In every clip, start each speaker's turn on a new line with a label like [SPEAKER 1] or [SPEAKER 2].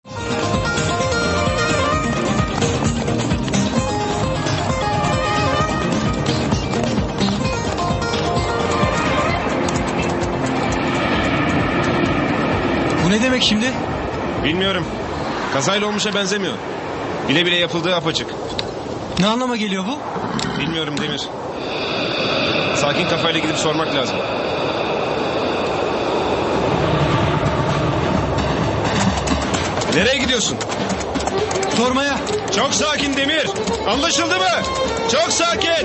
[SPEAKER 1] Bu ne demek şimdi?
[SPEAKER 2] Bilmiyorum. Kazayla olmuşa benzemiyor. Bile bile yapıldığı apaçık.
[SPEAKER 1] Ne anlama geliyor bu?
[SPEAKER 2] Bilmiyorum Demir. Sakin kafayla gidip sormak lazım. Nereye gidiyorsun?
[SPEAKER 1] Sormaya.
[SPEAKER 2] Çok sakin Demir. Anlaşıldı mı? Çok sakin.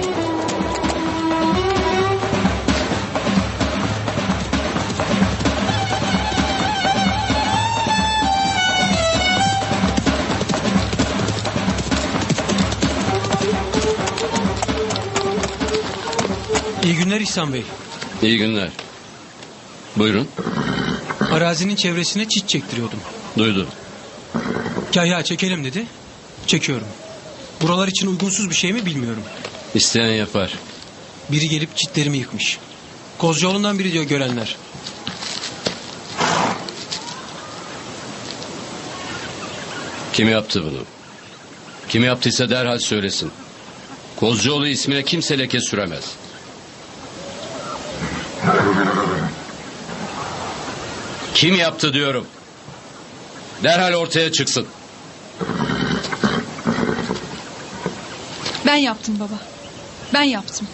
[SPEAKER 1] İyi günler İhsan Bey.
[SPEAKER 3] İyi günler. Buyurun.
[SPEAKER 1] Arazinin çevresine çit çektiriyordum.
[SPEAKER 3] Duydum.
[SPEAKER 1] Kahya çekelim dedi. Çekiyorum. Buralar için uygunsuz bir şey mi bilmiyorum.
[SPEAKER 3] İsteyen yapar.
[SPEAKER 1] Biri gelip çitlerimi yıkmış. Kozcuoğlu'ndan biri diyor görenler.
[SPEAKER 3] Kim yaptı bunu? Kim yaptıysa derhal söylesin. Kozcuoğlu ismine kimse leke süremez. Kim yaptı diyorum. Derhal ortaya çıksın.
[SPEAKER 4] Ben yaptım baba. Ben yaptım.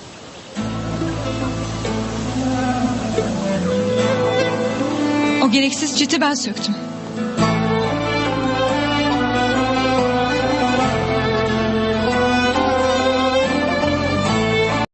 [SPEAKER 4] O gereksiz çiti ben söktüm.